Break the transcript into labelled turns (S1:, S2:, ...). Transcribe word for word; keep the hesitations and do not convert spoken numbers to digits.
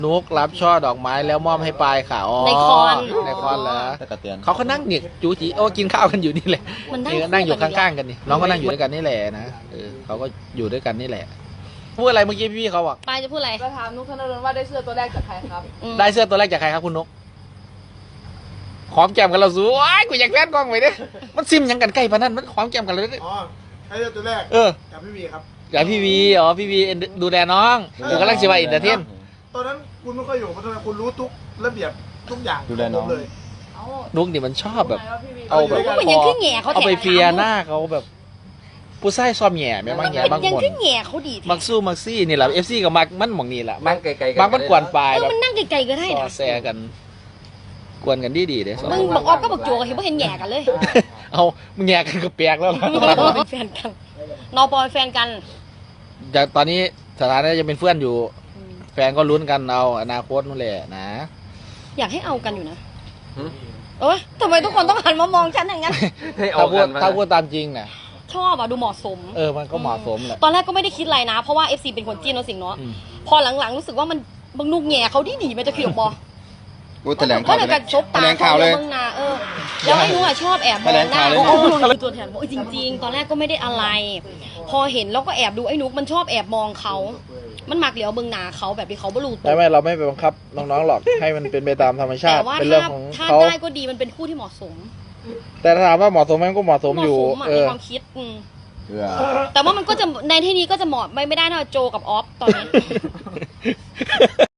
S1: นุกรับช่อดอกไม้แล้วมอบให้ปายค่ะอ๋อ
S2: ในคอน
S1: ในคอนเหรอ
S3: ตะกะเตือน
S1: เขาก็นั่งเนี่ยจูจีโอ้กินข้าวกันอยู่นี่แหละ
S2: มันนั่ง
S1: นี่นั่งอยู่ข้างๆกันนี่น้องก็นั่งอยู่ด้วยกันนี่แหละนะเออเขาก็อยู่ด้วยกันนี่แหละพูดอะไรเมื่อกี้พี่เขาบอก
S2: ปายจะพูดอะไร
S4: จะถามนุกธนดลว่าได้เสื้อตัวแรกจากใครครับ
S2: อืม
S1: ได้เสื้อตัวแรกจากใครครับคุณนกหอมแก้มกันเราสู้ว้ายกูอยากแล่นกล้องไปเด้มันซิมยังกันใกล้ปะนั่นมันหอมแก้มกันเลยเด้
S5: อ๋อให้เลือกตัวแรก
S1: เออ
S5: จากพี่วีครับ
S1: อยากพี่วีอ๋อพี่วีดูแลน้องกูกำลังชิวาอินเตอร์เทน
S5: ตอนนั้นคุณไม่ค่อยอยู่เพราะทำไมคุณรู้ทุกระเบียบทุกอย่าง
S3: ดูแลน้อง
S5: เลย
S4: เอา
S1: นุกนี่มันชอบแบบ
S4: ว่าพี่วี
S1: เอาแบบ
S2: มันยังขึ้นแง่เขา
S1: เอาไปเฟียหน้าเขาแบบผู้ชายซ้อมแหย่แม่บางแหย่บาง
S2: ยัง
S1: คน
S2: ขึ้นแง่เขาดี
S1: มักสู้มักซี่นี่แหละเอฟซีกับมักมันหมองนี่แหละมั
S3: นั่
S1: ก
S3: งไกลๆ
S1: บางมันกวนปลาย
S2: เออ
S1: แบบ
S2: มันนั่งไกลๆก็ได้
S1: ซอ
S2: นะ
S1: แซกัน กวนกันดีดีๆเด้สอง
S2: มึงบอกออฟก็บอกโจกเห็นว่าเห็นแง่กันเลย
S1: เอามึงแหย่กันก็แปลกแล้วล่ะ
S2: เป็นแฟนกันนอปอยแฟนกัน
S1: จากตอนนี้สถานะจะเป็นเพื่อนอยู่ แฟนก็ลุ้นกันเอาอนาคตนู่นแหละนะ
S2: อยากให้เอากันอยู่นะเอ้ยทำไมทุกคนต้องหันมามองฉันอย่างนั้น
S3: ให้เอา
S1: ถ้าพู
S3: กั
S1: ด
S3: นมา
S1: ถ้าพูดตามจริงน่ะ
S2: ชอบอ่ะดูเหมาะสม
S1: เออมันก็เหมาะสมแหละ
S2: ตอนแรกก็ไม่ได้คิดอะไรนะ เพราะว่า เอฟ ซี เป็นคนจีนเนาะสิงเนาะ
S1: อืม
S2: พอหลังๆรู้สึกว่ามันบางนุกแง่เขาดีดีมันจะผิดหรอกบอ
S3: กูแถลง
S2: ก็
S3: ข่าว
S2: เลย
S3: เล
S2: กั
S3: ย
S2: นชก
S3: แถ
S2: ตา
S3: ลงข่าวเลย
S2: เมืองนาเออแล้วไอ้นุ้อ่ะชอบแอบมองหน้า
S3: แถลงข่าวเลย
S2: โอ้โหเป็นตัวแทนบอกเออจริง ๆ ตอนแรกก็ไม่ได้อะไร พอเห็นแล้วก็แอบดูไอ้นุกมันชอบแอบมองเขา มันมักเหลียวเมืองนาเขาแบบที่เขาบรูตั
S1: ไม่
S2: ว
S1: ไม่เราไม่ไปบังคับน้องๆหรอกให้มันเป็นไปตามธรรมชา
S2: แต่
S1: ติ
S2: ว่า
S1: เป็นเรื่อ
S2: ถ้าง
S1: ของ
S2: ถ้า
S1: เขา
S2: ได้ก็ดีมันเป็นคู่ที่เหมาะสม
S1: แต่ถ้าถามว่าเหมาะสมไหมมันก็เหมาะสมอยู่
S2: เหมาะสมอะ
S1: เอ
S2: ใน
S1: อ
S2: ความคิดอืม
S3: เพื่อ
S2: แต่ว่ามันก็จะในที่นี้ก็จะเหมาะไม่ไม่ได้นะโจกับออฟตอนนี้